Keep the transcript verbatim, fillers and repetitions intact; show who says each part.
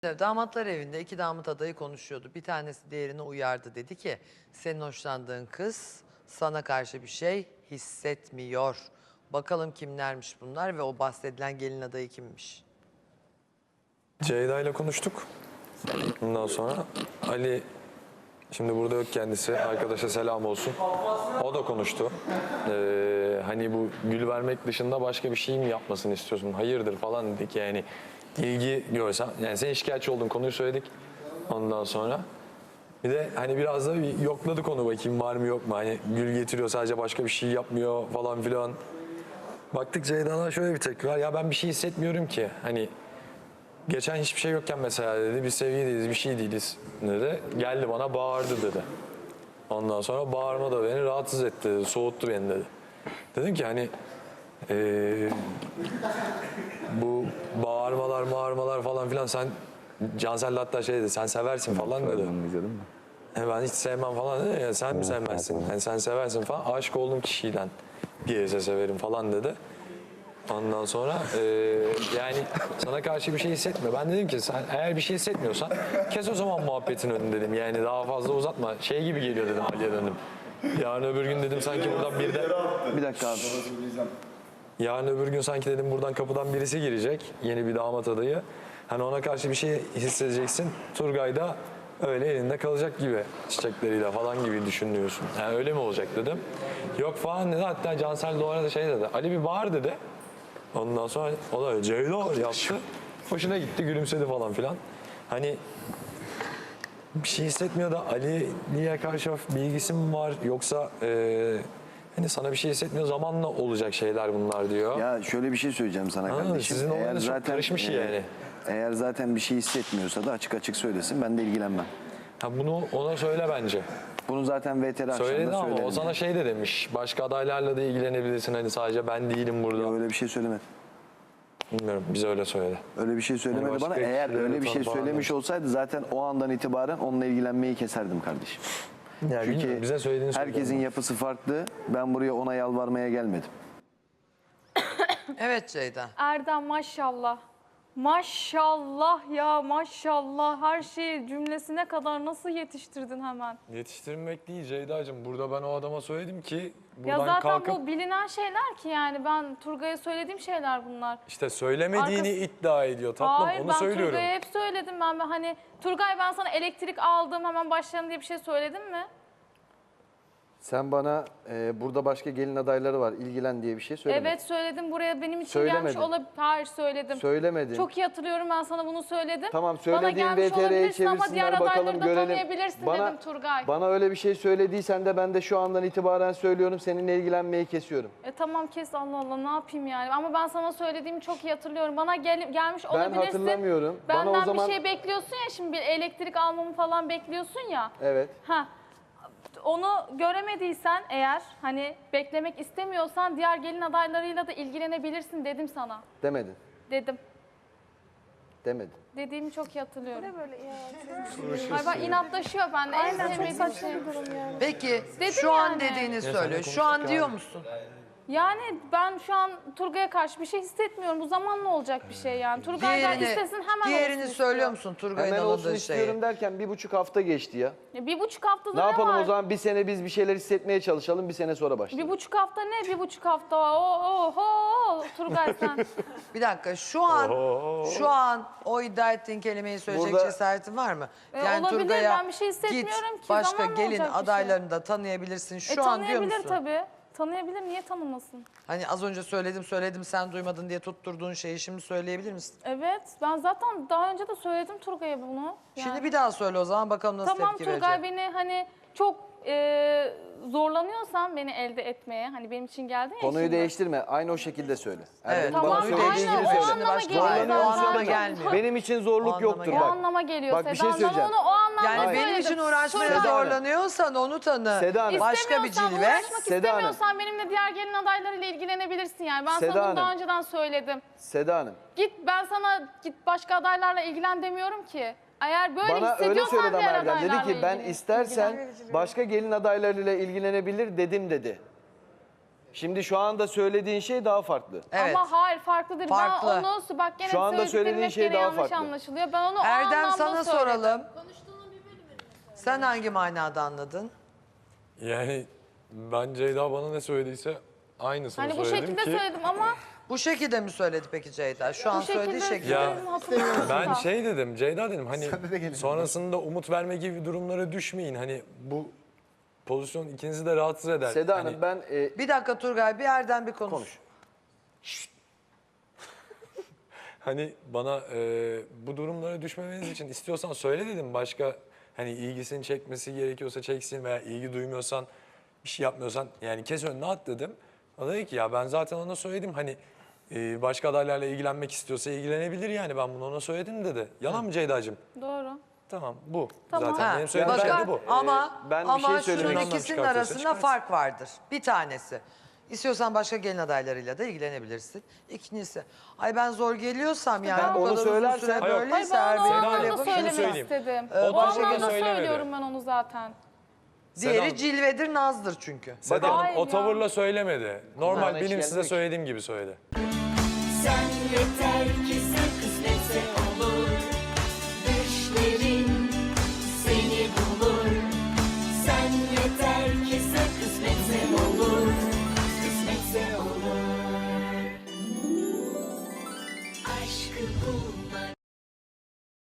Speaker 1: Damatlar evinde iki damat adayı konuşuyordu. Bir tanesi diğerini uyardı. Dedi ki senin hoşlandığın kız sana karşı bir şey hissetmiyor. Bakalım kimlermiş bunlar ve o bahsedilen gelin adayı kimmiş?
Speaker 2: Ceyda ile konuştuk. Ondan sonra Ali, şimdi burada yok kendisi, arkadaşa selam olsun. O da konuştu. Ee, hani bu gül vermek dışında başka bir şey mi yapmasını istiyorsun? Hayırdır falan dedik yani. İlgi görsem, yani sen şikayetçi olduğun konuyu söyledik ondan sonra. Bir de hani biraz da bir yokladık onu, bakayım var mı yok mu? Hani gül getiriyor sadece, başka bir şey yapmıyor falan filan. Baktık Ceyda'dan şöyle bir tepki var. Ya ben bir şey hissetmiyorum ki. Hani geçen hiçbir şey yokken mesela dedi, biz sevgili değiliz, bir şey değiliz dedi. Geldi bana bağırdı dedi. Ondan sonra bağırma da beni rahatsız etti dedi, soğuttu beni dedi. Dedim ki hani ee, bu bağırmalar bağırmalar falan filan, sen Cansel'le hatta şey dedi, sen seversin falan dedi. E ben hiç sevmem falan dedi ya, sen mi sevmezsin? Yani sen seversin falan, aşık olduğum kişiden diğerse severim falan dedi. Ondan sonra e, yani sana karşı bir şey hissetme. Ben dedim ki sen eğer bir şey hissetmiyorsan kes o zaman muhabbetin önünü dedim. Yani daha fazla uzatma. Şey gibi geliyor dedim Ali'ye döndüm. Yarın öbür gün dedim sanki buradan bir de...
Speaker 3: Bir dakika abi.
Speaker 2: Yarın öbür gün sanki dedim buradan kapıdan birisi girecek. Yeni bir damat adayı. Hani ona karşı bir şey hissedeceksin. Turgay da öyle elinde kalacak gibi, çiçekleriyle falan gibi düşünüyorsun. Yani öyle mi olacak dedim. Yok falan dedi. Hatta Cansel de o arada şey dedi. Ali bir bağır dedi. Ondan sonra o da Ceyda yaptı. Hoşuna gitti, gülümsedi falan filan. Hani bir şey hissetmiyor da Ali'ye karşı bir ilgisi mi var yoksa e, hani sana bir şey hissetmiyor, zamanla olacak şeyler bunlar diyor.
Speaker 3: Ya şöyle bir şey söyleyeceğim sana
Speaker 2: Ha,
Speaker 3: kardeşim.
Speaker 2: sizin olayınız çok karışmış
Speaker 3: e,
Speaker 2: yani.
Speaker 3: Eğer zaten bir şey hissetmiyorsa da açık açık söylesin, ben de ilgilenmem.
Speaker 2: Ha, bunu ona söyle bence.
Speaker 3: Bunu zaten V T R
Speaker 2: Söyledi
Speaker 3: akşamda
Speaker 2: ama
Speaker 3: söylerim.
Speaker 2: o sana şey de demiş. Başka adaylarla da ilgilenebilirsin, hani sadece ben değilim burada.
Speaker 3: Ya öyle bir şey söylemedi.
Speaker 2: Bilmiyorum, bize öyle söyledi.
Speaker 3: Öyle bir şey söylemedi
Speaker 2: başka
Speaker 3: bana. Eğer
Speaker 2: kişilere
Speaker 3: öyle bir şey
Speaker 2: falan
Speaker 3: söylemiş
Speaker 2: var.
Speaker 3: olsaydı zaten o andan itibaren onunla ilgilenmeyi keserdim kardeşim.
Speaker 2: Yani
Speaker 3: Çünkü
Speaker 2: bilmiyorum, bize söylediğini
Speaker 3: herkesin
Speaker 2: söyledi.
Speaker 3: yapısı farklı. Ben buraya ona yalvarmaya gelmedim.
Speaker 1: Evet Ceyda.
Speaker 4: Erdem maşallah. Maşallah ya maşallah, her şeyi cümlesine kadar nasıl yetiştirdin hemen?
Speaker 2: Yetiştirmek değil Ceyda'cığım. Burada ben o adama söyledim ki buradan
Speaker 4: Ya zaten
Speaker 2: kalkıp
Speaker 4: bu bilinen şeyler ki, yani ben Turgay'a söylediğim şeyler bunlar.
Speaker 2: işte söylemediğini
Speaker 4: Arkası-
Speaker 2: iddia ediyor tatlım.
Speaker 4: Hayır,
Speaker 2: Onu
Speaker 4: ben
Speaker 2: söylüyorum.
Speaker 4: Turgay'a hep söyledim. Ben hani Turgay ben sana elektrik aldım hemen başlayalım diye bir şey söyledim mi?
Speaker 5: Sen bana e, burada başka gelin adayları var, ilgilen diye bir şey söylemedin.
Speaker 4: Evet söyledim, buraya benim için
Speaker 5: Söylemedin.
Speaker 4: gelmiş olabilir. Hayır söyledim.
Speaker 5: Söylemedin.
Speaker 4: Çok iyi hatırlıyorum, ben sana bunu söyledim.
Speaker 5: Tamam,
Speaker 4: Bana
Speaker 5: söylediğin
Speaker 4: gelmiş
Speaker 5: V T R'ye
Speaker 4: olabilirsin ama diğer
Speaker 5: çevirsinler,
Speaker 4: adayları
Speaker 5: bakalım
Speaker 4: da
Speaker 5: görelim.
Speaker 4: tanıyabilirsin
Speaker 5: Bana,
Speaker 4: dedim Turgay.
Speaker 5: bana öyle bir şey söylediysen de ben de şu andan itibaren söylüyorum, seninle ilgilenmeyi kesiyorum.
Speaker 4: E tamam kes, Allah Allah, ne yapayım yani, ama ben sana söylediğimi çok iyi hatırlıyorum. Bana gel, gelmiş
Speaker 5: Ben
Speaker 4: olabilirsin.
Speaker 5: hatırlamıyorum. Bana
Speaker 4: Benden
Speaker 5: o zaman...
Speaker 4: bir şey bekliyorsun ya, şimdi bir elektrik almamı falan bekliyorsun ya.
Speaker 5: Evet.
Speaker 4: Ha. Onu göremediysen eğer, hani beklemek istemiyorsan diğer gelin adaylarıyla da ilgilenebilirsin dedim sana.
Speaker 5: Demedin.
Speaker 4: Dedim.
Speaker 5: Demedin.
Speaker 4: Dediğimi çok iyi hatırlıyorum.
Speaker 6: Ne böyle ya?
Speaker 4: Ay bak, inatlaşıyor bende. En
Speaker 6: Aynen, çok
Speaker 4: sevmediğim
Speaker 6: saçma
Speaker 4: şey.
Speaker 6: bir durum yani.
Speaker 1: Peki
Speaker 4: Dedim
Speaker 1: şu an
Speaker 4: yani.
Speaker 1: dediğini
Speaker 2: sen
Speaker 1: söylüyor.
Speaker 2: de
Speaker 1: Şu an
Speaker 2: konuştuk
Speaker 1: diyor
Speaker 2: abi.
Speaker 1: musun?
Speaker 4: Yani ben şu an Turgay'a karşı bir şey hissetmiyorum. Bu zamanla olacak bir şey yani. Turgay'dan
Speaker 1: Diğerini,
Speaker 4: istesin hemen
Speaker 1: diğerini
Speaker 4: olsun
Speaker 1: söylüyor
Speaker 4: istiyor.
Speaker 1: musun Turgay'ın
Speaker 5: Hemen olsun
Speaker 1: alındığı
Speaker 5: istiyorum
Speaker 1: şeyi?
Speaker 5: derken bir buçuk hafta geçti ya.
Speaker 4: Ya bir buçuk haftada
Speaker 5: Ne
Speaker 4: ne,
Speaker 5: yapalım
Speaker 4: var?
Speaker 5: o zaman, bir sene biz bir şeyler hissetmeye çalışalım, bir sene sonra başlayalım.
Speaker 4: Bir buçuk hafta ne? Bir buçuk hafta. Oo, oo, Turgay sen.
Speaker 1: Bir dakika, şu an şu an o iddia ettiğin kelimeyi söyleyecek
Speaker 5: Burada-
Speaker 1: cesaretin var mı?
Speaker 4: E, olabilir, ben bir şey hissetmiyorum
Speaker 1: git
Speaker 4: ki,
Speaker 1: başka
Speaker 4: zamanla
Speaker 1: gelin
Speaker 4: olacak bir şey.
Speaker 1: adaylarını da tanıyabilirsin. Şu
Speaker 4: e,
Speaker 1: an diyor
Speaker 4: tanıyabilir
Speaker 1: musun?
Speaker 4: tabii. Tanıyabilir, niye tanımasın?
Speaker 1: Hani az önce söyledim söyledim sen duymadın diye tutturduğun şeyi şimdi söyleyebilir misin?
Speaker 4: Evet, ben zaten daha önce de söyledim Turgay'a bunu. Yani.
Speaker 1: Şimdi bir daha söyle o zaman, bakalım nasıl
Speaker 4: Tamam,
Speaker 1: tepki
Speaker 4: Turgay
Speaker 1: verecek.
Speaker 4: beni hani çok e, zorlanıyorsan beni elde etmeye, hani benim için geldin ya
Speaker 5: Konuyu
Speaker 4: şimdi.
Speaker 5: değiştirme, aynı o şekilde söyle.
Speaker 1: Evet,
Speaker 5: Erdem'in
Speaker 4: Tamam,
Speaker 5: bana
Speaker 1: konuyu
Speaker 5: söylediği
Speaker 4: aynen,
Speaker 5: gibi
Speaker 4: o
Speaker 5: söyle.
Speaker 4: anlama
Speaker 1: başka
Speaker 4: geliyor
Speaker 1: o
Speaker 4: zaten.
Speaker 1: anlama
Speaker 4: Çok-
Speaker 1: gelmiyor.
Speaker 5: Benim için
Speaker 1: O
Speaker 5: zorluk
Speaker 1: anlama
Speaker 5: yoktur
Speaker 1: gelmiyor.
Speaker 4: O
Speaker 5: bak.
Speaker 4: anlama geliyor
Speaker 5: Bak, bir
Speaker 4: Seda.
Speaker 5: şey
Speaker 4: Ben
Speaker 5: söyleyeceğim.
Speaker 4: onu o anlamda
Speaker 1: Yani
Speaker 4: söyledim.
Speaker 1: benim için uğraşmaya
Speaker 4: Turgay,
Speaker 1: zorlanıyorsan onu tanı.
Speaker 5: Seda Hanım.
Speaker 1: Başka bir
Speaker 4: İstemiyorsan,
Speaker 1: cilve.
Speaker 4: uğraşmak
Speaker 5: Seda Hanım.
Speaker 4: istemiyorsan benimle diğer gelin adaylarıyla ilgilenebilirsin yani. Ben
Speaker 5: Seda
Speaker 4: sana bunu daha
Speaker 5: Hanım.
Speaker 4: önceden söyledim.
Speaker 5: Seda Hanım,
Speaker 4: Git, ben sana git başka adaylarla ilgilen demiyorum ki. Eğer böyle
Speaker 5: bana öyle
Speaker 4: hissediyorsan
Speaker 5: söyledi ama
Speaker 4: diğer
Speaker 5: Erdem. Dedi
Speaker 4: adaylarla
Speaker 5: ki ben
Speaker 4: ilgilen.
Speaker 5: istersen başka gelin adaylarıyla ilgilenebilir dedim dedi. Şimdi şu anda söylediğin şey daha farklı.
Speaker 1: Evet.
Speaker 4: Ama hayır farklıdır.
Speaker 1: Farklı.
Speaker 4: Ben onu bak gene
Speaker 5: Şu anda
Speaker 4: söylediklerim
Speaker 5: söylediğin
Speaker 4: hep
Speaker 5: şey
Speaker 4: gene
Speaker 5: daha
Speaker 4: yanlış
Speaker 5: farklı.
Speaker 4: anlaşılıyor. Ben onu o
Speaker 1: Erdem
Speaker 4: anlamda
Speaker 1: sana
Speaker 4: söyledim.
Speaker 1: soralım. Sen hangi manada anladın?
Speaker 2: Yani ben Ceyda bana ne söylediyse aynısını
Speaker 4: Hani bu
Speaker 2: söyledim
Speaker 4: şekilde
Speaker 2: ki.
Speaker 4: söyledim ama
Speaker 1: Bu şekilde mi söyledi peki Ceyda? Şu an
Speaker 4: bu
Speaker 1: söylediği
Speaker 4: şekilde
Speaker 1: şekilde.
Speaker 2: Ya,
Speaker 4: söyledim hatırlamıyorum.
Speaker 2: Ben
Speaker 4: da.
Speaker 2: şey dedim, Ceyda dedim hani sonrasında umut verme gibi durumlara düşmeyin. Hani bu pozisyon ikinizi de rahatsız eder.
Speaker 5: Seda
Speaker 2: Hani
Speaker 5: Hanım ben e,
Speaker 1: Bir dakika Turgay, bir Erdem bir konuş.
Speaker 5: Konuş.
Speaker 2: Hani bana e, bu durumlara düşmemeniz için istiyorsan söyle dedim. Başka hani ilgisini çekmesi gerekiyorsa çeksin veya ilgi duymuyorsan bir şey yapmıyorsan yani kes önüne at dedim. O da dedi ki ya ben zaten ona söyledim hani e, başka adaylarla ilgilenmek istiyorsa ilgilenebilir yani ben bunu ona söyledim dedi. Yalan mı Ceyda'cığım?
Speaker 4: Doğru.
Speaker 2: Tamam bu.
Speaker 4: Tamam.
Speaker 2: Zaten
Speaker 1: Ha,
Speaker 2: benim söylediğim
Speaker 1: bakın,
Speaker 2: şey de bu.
Speaker 1: Ama,
Speaker 5: ben bir
Speaker 1: ama
Speaker 5: şey
Speaker 1: şunun
Speaker 5: söylemek
Speaker 2: istiyorum.
Speaker 1: ikisinin
Speaker 2: Çıkartıyorsa
Speaker 1: arasında
Speaker 2: çıkarsın.
Speaker 1: fark vardır. Bir tanesi. İstiyorsan başka gelin adaylarıyla da ilgilenebilirsin. İkincisi, ay ben zor geliyorsam yani
Speaker 5: ben
Speaker 1: bu
Speaker 5: onu
Speaker 1: kadar uzun
Speaker 5: söylersen-
Speaker 1: süre
Speaker 2: Hayır,
Speaker 4: Hayır
Speaker 1: böyleyse
Speaker 4: ben
Speaker 1: eğer
Speaker 4: onu o
Speaker 1: benim
Speaker 2: Hanım,
Speaker 1: böyle
Speaker 4: anlamda
Speaker 1: yapıp
Speaker 2: şunu
Speaker 4: söylemek
Speaker 2: söyleyeyim.
Speaker 4: istedim.
Speaker 1: Ee,
Speaker 4: o
Speaker 1: başka
Speaker 4: anlamda
Speaker 2: söylemedi.
Speaker 4: söylüyorum ben onu zaten.
Speaker 1: diğeri
Speaker 2: Seda-
Speaker 1: cilvedir, nazdır çünkü.
Speaker 2: Seda Hanım
Speaker 4: Hayır
Speaker 2: o
Speaker 4: ya.
Speaker 2: tavırla söylemedi. Normal
Speaker 5: Kulağına hiç
Speaker 2: benim size
Speaker 5: gelmiyor ki.
Speaker 2: söylediğim gibi söyledi.
Speaker 7: Sen yeter ki sen kısmetse ol.